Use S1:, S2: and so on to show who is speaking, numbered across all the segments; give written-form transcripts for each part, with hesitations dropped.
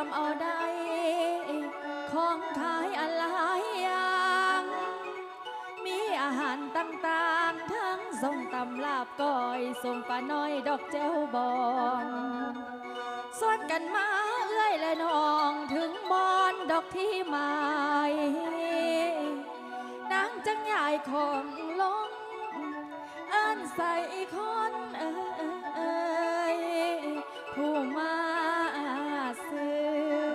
S1: ำเอาได้ของขายอะไรอย่างมีอาหารต่างๆทั้งส้มตำลาบก้อยส้มปลาน้อยดอกแจ้วบองส่วนกันมาเอื้อยและน้องถึงบอนดอกที่ไม้นางจังใหญ่ของลงเอิ้นใส่คนผู้มาซื้อ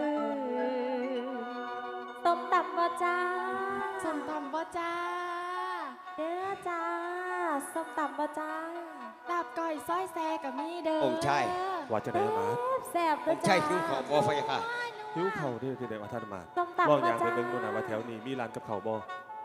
S1: ส้มตำบ่จ้าส้มตำบ่จ้าเด้อจ้าส้มตำบ่จ้าลาบก้อยซอยแซ่กับมีเด้อ
S2: องค์ชาย
S3: ว่าจะได้มา
S1: แซ่บ
S2: องค์ชายหิวข้าวบ่ไฟค่ะ
S3: หิวเข่าที่ได้ว่าท่านมา
S1: ส้มตำ
S3: ลอ
S1: ง
S3: อย่างไปเบิ่งดูนะว่าแถวนี้มีร้านกับเข่าบ่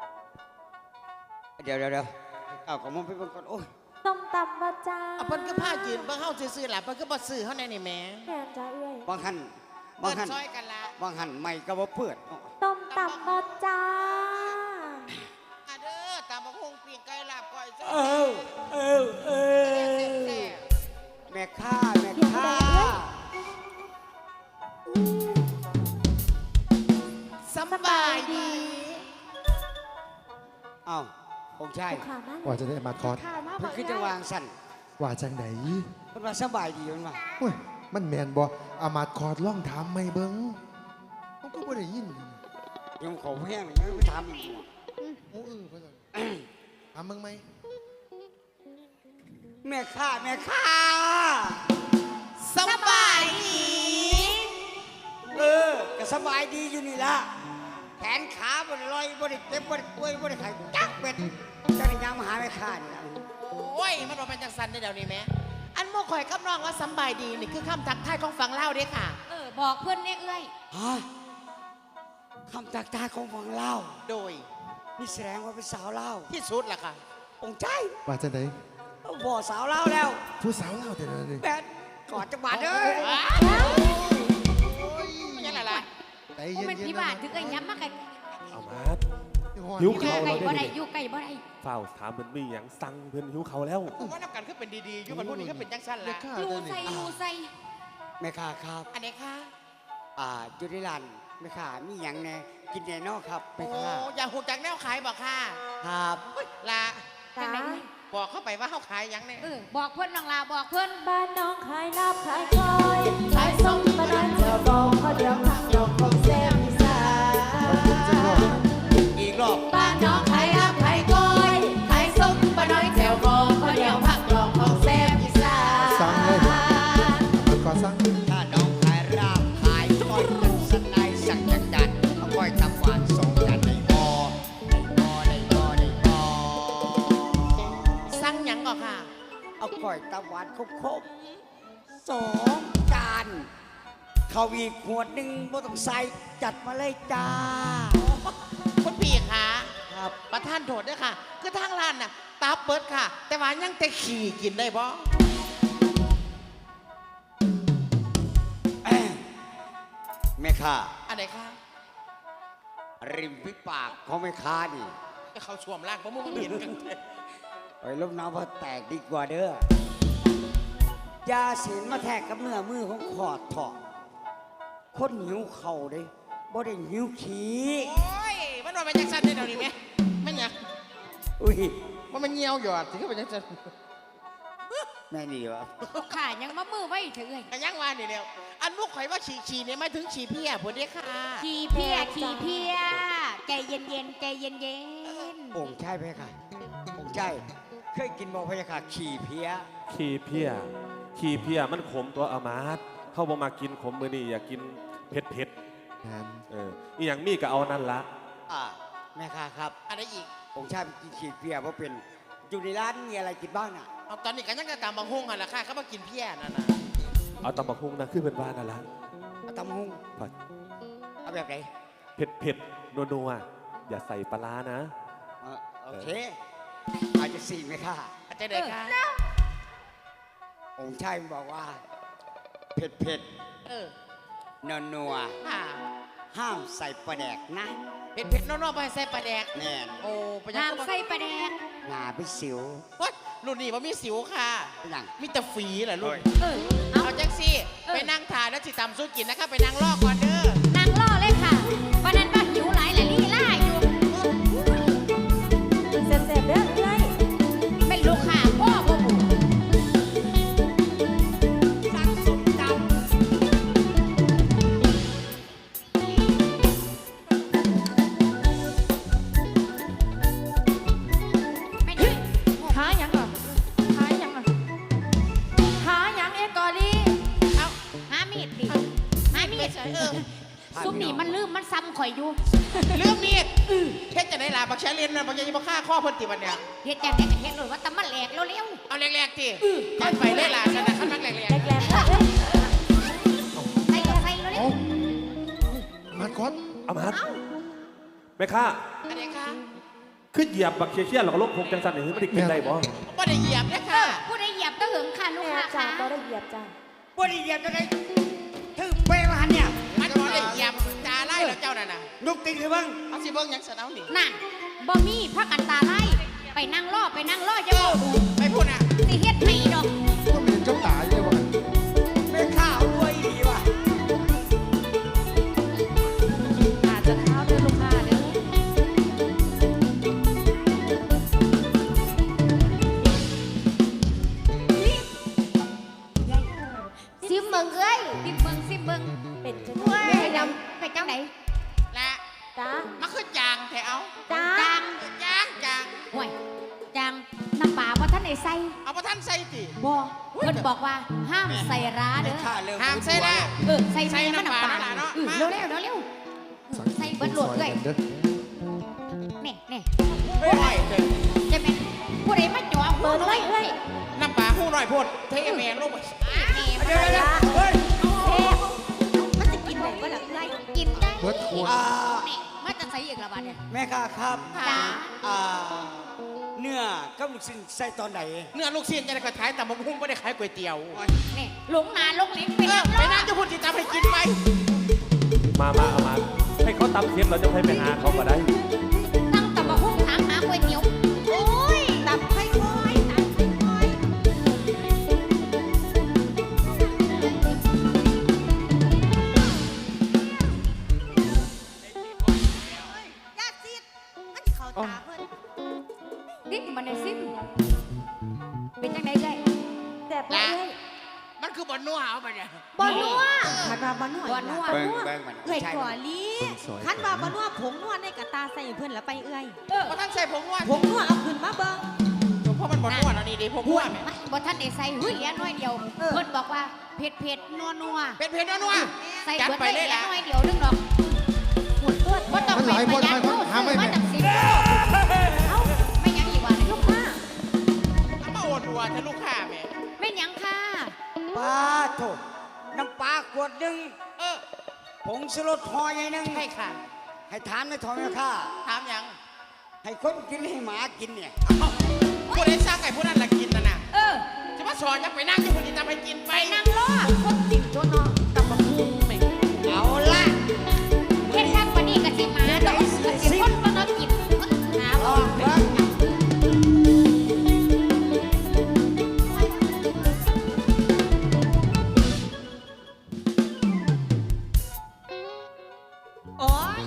S2: เดี๋ยวเอาของมึงไปเบิ่งก่อนโอ้ย
S1: ส้มตำบ่จ้า
S4: เพิ่นก็พายืนเบิ่งเฮาซื่อๆล่ะเพิ่นก็บ่ซื้อเฮาแน่นี่แหม่
S1: แม่จ้าเอ้ย
S2: บางหัน
S4: ซอยกันละ
S2: บางหันไม่ก็บ่เปิด
S1: ส้มตำบ่จ้า
S4: เด้อตามบักฮงปิ้งไก่ลาบก้อยซ
S2: แม่ค้า
S4: สบายดี
S2: อ้าวองค์ชาย
S5: ว่าจะได้มาคอร์ส
S2: เพิ่นคือจังวางสั่น
S5: ว่าจังไหน
S2: เพิ่นว่าสบายดีมันว่า
S5: โอ้ยมันแมนบ่อามาคอร์สล่องถามไม่เบิ้งมันก็บ่ได้ยิน
S2: ยังขอแห้งยังไม่ทำอีก
S5: โอ้เพิ่นถามมึงไหม
S2: แม่ค้า
S4: สบายดี
S2: ก็สบายดีอยู่นี่ล่ะแขนขาบ่ได้ลอยบ่ได้เจ็บบ่ได้ป่วยบ่ได้ไข้จักเป็ดจังยังมาหาแม่ค้านี่ล่ะ
S4: โอ้ยมันบ่เป็นจังซั่นเดี๋ยวนี้แม่อันโมข่อยกับน้องว่าสบายดีนี่คือคำทักทายของฝั่งลาวเด้ค่ะ
S1: บอกเพิ่นเอ้ย
S2: ฮะคำทักทายของฝั่งลาว
S4: โดย
S2: นี่แสดงว่าเป็นสาวลาว
S4: ที่สุดล่ะค่ะ
S2: องค์ชาย
S5: ว่าจังไหน
S2: บ่สาวลาวแล้ว
S5: ผู้สาวลาวแต่ละนี่
S2: แบดกอดจังหวัดเด้อ
S4: มันยังอะไร
S5: ใจเย็นๆ
S1: มันพี่บาทถึงไอ้ย้ำมากกัน
S3: เอามาหิวเข่าเราได้
S1: อยู่ไก่บ่ได้
S3: เฝ้าถามเพิ่นมีหยังสั่งเพิ่นหิวเข่าแล้ว
S4: ว่านับกันคือเป็นดีๆอยู่มันพวกนี้ก็เป็นจังซั่นล่ะ
S1: รูใส่
S2: แม่ค้าครับ
S4: อันไหนคะ
S2: อยู่ในร้านแม่ค้ามีหยังแน่กินแน่นอนครับแม่ค้า
S4: อย่าหูจักแนวขายบอกค่ะ
S2: ครับ
S4: ละ
S1: จ้า
S4: บอกเข้าไปว่าเขาขายยังเนี่ย
S1: บอกเพื่อนน้องลาบอกเพื่อนบ้านน้องขายลาบขายก้อยขายส้มปลาดันเจ้าบองเขาเดียวผักดอกของแซ่บอีสาน
S2: อีกรอบ
S1: บ้านน้องขายลาบขายก้อยขายส้มปลาน้อยแจ่วบองเขาเดียวผักดอกของแซ่บอีสาน
S5: สั่งเลยมันก็สั่ง
S2: ถ้าน้องขายราบขายก้อยกันสนายสั่งจัดเอาก้อยตำหวานส่งจัดในบ่อ
S4: สั่งยังก่อนค่ะ
S2: เอาก้อยตำหวานครบ2 จานข้าวอีกขวดหนึ่งบ่ต้องใส่จัดมาเลยจ้า
S4: คุณพี่คะ
S2: ครับ
S4: ประท่านโทษด้วยค่ะคือทางร้านน่ะตาเปิดค่ะแต่ว่ายังแต่ขี่กินได้บ่
S2: แม่ค้า
S4: อันไหนคะ
S2: ริมฝีปากของแม่ค้านี่
S4: เขาสวมร่างเพราะมึงเห็นกัน
S2: ไปลบน้ำพอแตกดีกว่าเด้อยาศีลมาแทกกับเนื้อมือของขอดถอดคนหิวเข่าเด้บ่ได้หิวขี้
S4: โอ้ยมันว่าเป็นจังซั่นได้เดี๋ยวนี้ไหมไม่อยาก
S2: อุ้ย
S4: มันเหี่ยวหยอดถึงก็เป็นจังซั่น
S2: แม่นี่วะ
S1: ขายังมามือไว้ถึงเลย
S4: ยังว่านี่แล้วอันมุกข่อยว่าฉี่เนี่ยไม่ถึงฉี่เพี้ยผลเด้ค่ะ
S1: ฉี่เพี้ยใจเย็น
S2: องค์ชายเพคะองค์ชายเคยกินบ่เพคะขี่เพี้
S3: ยมันขมตัวอามาตเข้าบ่มากินขมมื้อนี้อยากกินเผ็ดอีหยังมีก็เอานั่นละ
S2: แม่ค้าครับ
S4: อะไรอีก
S2: องค์ชายกินขี่เพี้ยเพราะเป็นอยู่ในร้านมีอะไรกินบ้างน่ะ
S4: ตอนนี้กันยังจะตามบางฮุ้งอ่ะล่ะค่ะเขามากินเพี้ยนั่นน่ะ
S3: เอาตำบักฮุ้งนะคือเป็นบ้านนั่นละ
S2: เอาตำบักฮุ้งเอาแบบไหน
S3: เผ็ดนัวอย่าใส่ปลานะ
S2: โอเคอาจจะ4ไหมค่ะ
S4: อาจจะเด็กค่ะ
S2: องค์ชายบอกว่าเผ็ดนัวห้ามใส่ปลาแดกนะ
S4: เผ็ดนัวไปใส่ปลาแดก
S2: แน่น
S4: โอ้
S1: ห้ามใส่ปลาแดก
S2: หนาไปสิว
S4: วัดรุ่นนี้ว่ามีสิวค่ะ
S2: เป็นหยัง
S4: มีแต่ฝีเหรอลูก
S1: เออเอา
S4: เอาจังสิไปนั่งทานแล้วสิตำสู้กินนะคะไปนั่งลอกก่อนเด้อ
S1: นางล่อเลยค่ะวันนั้นว่าหิวหลายแหละลี่ล่าอยู่เสร็จๆเด้อเอ้ยเป็นลูกค้าพ่อบ่บุ
S4: สั่งส้มตำ
S1: ไม่ได้หาหยังก่อนหาหยังก่อนหาหยังเอกอลี
S4: เอา
S1: หามีดดิหามีด
S6: ซุปนี่มันลืมมันซ้ำข่อยอยู่
S4: เรื่องมีดเฮ็ดจะได้ล่ะบักแชเลียนนะบักยังบ่ฆ่าข้อเพิ่นติบัดเนี่ย
S6: เฮ็ดจังได๋ก็เฮ็ดเลยว่าแตะมันแหลกเร็ว
S4: เอาแรกๆติค่อยไปเลยล่ะฉันน่ะคันมักแรก
S1: แหลกๆเอ้ย
S6: ๆใส่เร็ว
S5: เอ้าอามาดคอด
S3: เอามาแม่ค้า
S4: ๆอันนี้ค่ะ
S3: ขึ้นเหยียบบักเชียร์แล้วก็ลบผมจังสันนี่ไม่ได้กินได้บ่
S4: บ่ได้เหยียบนะค่ะ
S6: ๆผู้ใดเหยียบตะหึงค่ะลูก
S1: แม่
S6: ค้า
S1: จ้า
S6: ค่ะ
S1: บ่ได้เหยียบจ้า
S2: บ่ได้เหยียบจะได้ถือเปรย์มาหันเนี่ย
S4: มันบ่ได้เหยียบจ่าไล่แล้วเจ้านั่นน่ะ
S2: นุกติงหรือบ้าง
S4: เอาสิเบิ่งหยังซะเอานี่
S6: นั่นบ่มีพักกันตาไล่ไปนั่งรอจะบอก
S4: ไปพูดน่ะ
S6: สิเฮ็ดให้ดอก
S5: ก็มีเจ้าตายเลยว่ะ
S2: แม่ข้าวรวยดีว่ะ
S1: อาจจะเท้าเด้อลูกค้าเด้อ
S6: ซิมเบิ่งเอ้ยซิมเบิ่ง
S1: เป็นจัง
S6: เว้ย
S1: แม่
S6: ดำไปจังได๋
S4: และ
S1: จ้า
S4: มันคือจางแท้เอา
S1: จ้า
S6: จาง
S4: จาง
S6: ห่วยจางน้ำปลาบ่ทันได้ใส่
S4: เอาบ่ทันใส่ติ
S6: บ่เพิ่นบอกว่าห้ามใส่ร้า
S2: แม่
S6: เด้อ
S2: ข้าเริ่ม
S4: ห้ามใส่นะ
S6: ใส่
S4: ใส่
S6: แม่มัน
S4: น้ำปลา
S6: น้ำปลา
S4: เนาะ
S6: เร็วใส่เบิดโหลดเลย
S5: เด้อ
S6: นี่
S4: โอ้ยเด้อ
S6: จะเป็นผู้ใดมาจ่อหัวน้อยเอ้ย
S4: น้ำปลาหู้หน่อยโพดเทแมงลงไป
S2: เดี๋ยวเฮ้ย
S6: มันจะกินได้บ่ล่ะเอ้ยกินได้
S5: เบิดขวด
S6: นี่มันจะใส่อีกละบาดเนี่ย
S2: แม่ข้าครับ
S6: จ้า
S2: อ่าเนื้อกับลูกชิ้นใส่ตอนไหน
S4: เนื้อลูกชิ้นจะได้ก็ขายแต่บะหุ่งไม่ได้ขายก๋วยเตี๋ยว
S6: นี่หลงนาลงลิ้นไป
S4: เออ
S6: แล้ว
S4: ไปนั่งจะพูดจิตตามให้กินไป
S3: มาเอามาให้เขาตำเค็มเราจะให้ไปหาเขาก็ได้
S6: ตั้งแต่มาหุ้งถามหาก๋วยเตี๋ยวโอ้ยตับไข่คอยตับไข่คอย
S7: ญาติซีดมันเขาตาเพิ่น
S6: นี่มันในซิมเป็นจังไดเลย
S1: แต่บ่เอ้ย
S4: มันคือบนนัวเอาไปเนี่ย
S6: บอนัว
S7: คันว่าบ่นัว
S6: บอนัว
S2: เบิ่งเบิ่งมัน
S7: เอ้ย
S2: ใช่
S7: ก่อลีคันว่าบ่นัวผงนัวในกระตาใส่เพิ่นแล้วไปเอ้ย
S4: เพราะท่านใส่ผงนัว
S7: ผงนัวเอาขึ้นมาเบิ่ง
S4: เพราะมันบนนัวแล้วนี่ดิผงนัวแม่
S6: บ่ทันได้ใส่หุ้ยเหลือน้อยเดียวเพิ่นบอกว่าเผ็ดนัว
S4: เป็นเพชรนัว
S6: ใส่เบิดไปเลยน้อยเดียวนึงดอกบ่ต้องเป็นพยานเข้าซื้อมาจาก10เอ้าไม่ยังอีกว่าลูกค้า
S4: เอามาโอนวัวท่านลูกค้าแม่
S6: ไม่ยังค่ะ
S2: ปลาโถน้ำปลาขวดหนึ่ง
S4: เออ
S2: ผงสลดห่อใหญ่หนึ่ง
S4: ให้ค่ะ
S2: ให้ทานในท้องแม่ข้า
S4: ถามยัง
S2: ให้คนกินให้หมากินเนี่ย
S4: ผู้ใดสร้างไก่ผู้นั้นละกินน่ะนะ
S6: เออ
S4: จะมาสอนยังไปนั่งจะพูดจิตตามให้กินไป
S6: ไปนั่งรอคนกินตัวเนาะ
S4: ตับบะหุ่งแม่
S2: เอาละ
S6: เฮ็ดข้างปานนี้ก็สิมาดอกก็สิคนบ่เนาะกินหา
S2: ล
S6: บ่
S2: องเบิ่ง
S6: โอ้ย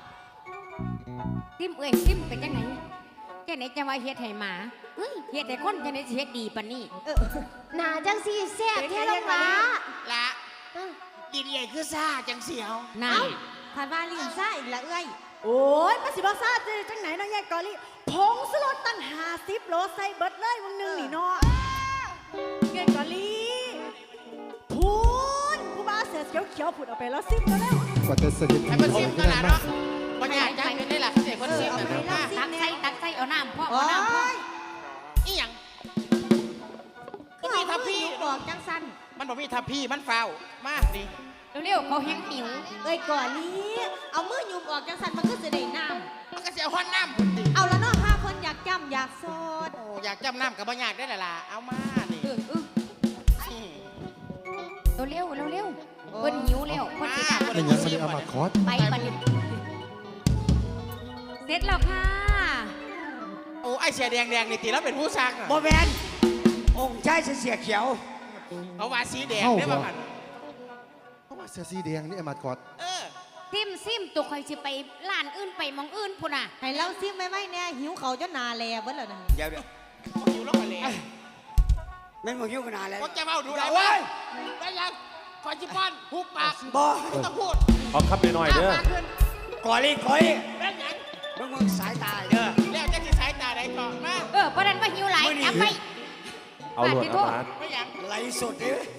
S6: ซิมเอ้ยซิมเป็นจังไหนจังไหนจะว่าเฮ็ดให้หมาเฮ้ยเฮ็ดให้คนจังไหนสิเฮ็ดดีปานนี้
S7: หน้าจังซี่แซ่บแท้ลงหลา
S4: ละดินใหญ่คือซ่าจังเสียว
S6: นั่น
S7: คันว่าลิ้นซ่าอีกละเอ้ยโอ้ยมันสิบ่ซ่าจังไหนเนาะยายกอลีผงสลดตั้ง50โลใส่เบิดเลยมึงนึงนี่เนาะยายกอลีพูนผู้บ้าเสือเขียวๆผุดเอาไปแล้วซิมก็แล้ว
S5: กว่าจะเสด็จ
S4: ให้มันซิมกันละเนาะบางอย่างยังเป็นได้หลักเสียคนซิมนะมา
S6: ตักใส่เอาน้ำพ่อ
S7: โอ้
S6: เอาน้ำพ่อย
S4: อีหยัง
S7: คือเอามืออยู่บอกจังสัน
S4: มันบอกมีทัพพี่มันเฝ้ามาดิ
S6: เร็วๆเขาแห้งหิว
S7: เอ้ยก่อนนี้เอามือยุมออกจังสันมันก็จะได้น้
S4: มันก็เสียห้อนน้ำพุ่นดิ
S7: ำเอาแล้วเนาะห้าคนอยากจำอยากโซด
S4: โอ้อยากจำน้ำกับบางอย่างได้ละล่ะเอามาดิ
S6: เร็วเพิ่นหิวแล้วเพิ่นสิดับ
S5: ไม่งั้นมันเอามาคอด
S6: ไปบัดนี้เสร็จแล้วค่ะ
S4: โอ้ไอ้เสียแดงนี่ตีแล้วเป็นผู้สร้าง
S2: บ่แมนองค์ชายเสียเขียว
S4: เอาว่าสีแดงได้ป่ะมัน
S5: เพราะว่าเสื้อสีแดงนี่ไอ้มาดกอด
S6: ซิมตัวคอยสิไปร้านอื่นไปหมองอื่นพุ่นน่ะ
S7: ให้เราซิมไม่เนี่ยหิวเขาจนนาแลเบิดแล้วนะ
S2: เดี๋ยว
S4: อยู่แล้วกันเลย
S2: แม่นบ่หิวขนาดแล้ว
S4: พวกแกเมาดูไร
S2: เว้ย
S4: ได้ยังคอยจิป้อนหุบปาก
S2: บ่
S4: ไม่ต้องพูด
S3: ขอคำหน่อยๆเด้อ
S4: มาขึ้น
S2: ก่อลี
S4: ได้ยัง
S2: มึงสายตาเด้อ
S4: แล้วจะที่สายตาไหนก่อนมา
S6: ประเด็นว่าหิวหลาย
S2: มื้อนี้
S6: จับไป
S3: เอาหลวดอามาด
S4: ไม่ยัง
S2: ไหลสุดเด้อ